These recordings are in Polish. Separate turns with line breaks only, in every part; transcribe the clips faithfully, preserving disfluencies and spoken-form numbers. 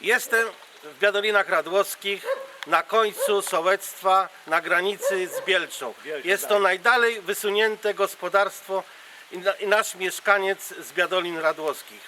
Jestem w Biadolinach Radłowskich, na końcu sołectwa, na granicy z Bielczą. Jest to najdalej wysunięte gospodarstwo i, na, i nasz mieszkaniec z Biadolin Radłowskich.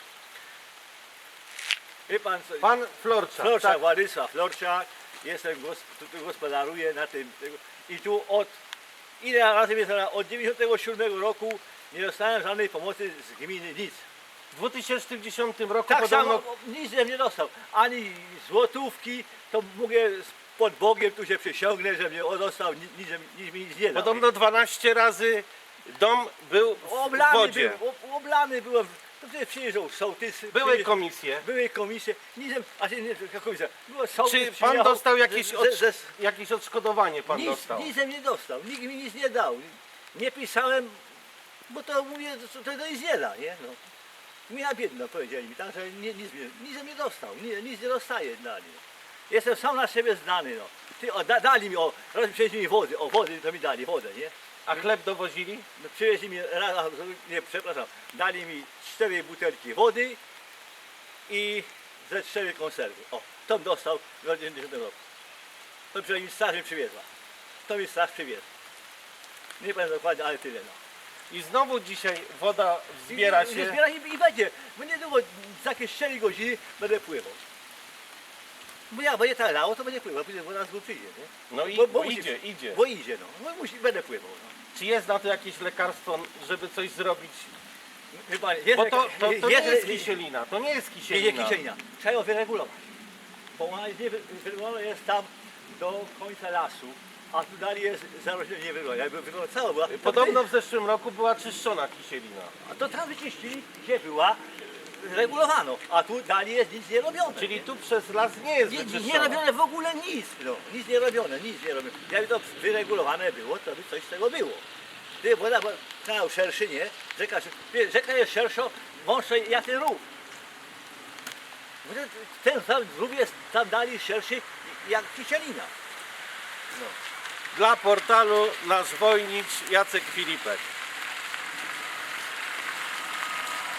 Wie pan, co,
Pan Florczak.
Florczak,
Tak.
Władysław Florczak, jestem, gos, tu gospodaruję na tym, i tu od, ile razy jest, od dziewięćdziesiątego siódmego roku nie dostałem żadnej pomocy z gminy, nic.
W dwa tysiące dziesiątym roku
Tak
podobno...
samo, nic żem nie dostał, ani złotówki, to mówię pod Bogiem, tu się przysiągnę, że mnie dostał, nic, nic, nic mi nic nie dał.
Podobno dwanaście razy dom był w
Oblany
wodzie.
był, ob- oblany byłem, to wtedy przyjeżdżał sołtys.
Były
przyjeżdżał-
komisje.
Były komisje, nic, a nie, nie komisja, było sołtys,
Czy pan
przyjechał
dostał jakieś,
ze-
od,
ze-
jakieś odszkodowanie? Pan
Nic,
dostał?
nic nie dostał, nikt mi nic nie dał. Nie pisałem, bo to mówię, to, to nic nie da, nie? No. Gmina biedna, powiedzieli mi, tak, że nie, nic, nie- nic nie dostał, nic, nic nie dostaje dali. Jestem sam na siebie znany, no. Ty, o, da, dali mi, o, raz przywieźli mi wody, o wody to mi dali, wodę, nie?
A chleb dowozili?
No, przywieźli mi, raz, a, nie, przepraszam, dali mi cztery butelki wody i ze cztery konserwy. O, to dostał w dziewięćdziesiątym roku. To przynajmniej mi straż mi przywiezła. To mi straż przywiezła. Nie pamiętam dokładnie, ale tyle, no.
I znowu dzisiaj woda zbiera
I,
się.
I, zbiera się i będzie. Bo niedługo, za jakieś cztery godziny będę pływał. Bo ja będzie tak lało, to będzie pływał, później woda z góry przyjdzie, nie?
No i
Bo-
bo,
bo musi-
idzie, idzie.
Bo idzie, no. Bo musi, będę pływał, no.
Czy jest na to jakieś lekarstwo, żeby coś zrobić?
Chyba jest,
Bo to, to, to nie
jest-
jest kisielina, to nie jest
Nie, nie
kisielina.
kisielina. Trzeba ją wyregulować. Bo ona jest nie wy- wyregulowana jest tam do końca lasu, a tu dalej jest zarośnięcie nie wygląda. Jakby wygląda cała była. to
Podobno w zeszłym roku była czyszczona kisielina.
A to tam wyczyścili, gdzie była, regulowano, a tu dalej jest nic nie robione.
Czyli tu przez las nie jest
nie, nie, nie
wyczyszczona.
robione w ogóle nic, no, nic nie robione, nic nie robione. Jakby to wyregulowane było, to by coś z tego było. Gdyby woda była kanał szerszy, nie? Rzeka, wie, rzeka jest szersza, wąższa jak ten rów. Bo ten- Ten sam rów jest tam dalej szerszy jak kisielina. No.
Dla portalu Nasz Wojnicz Jacek Filipek.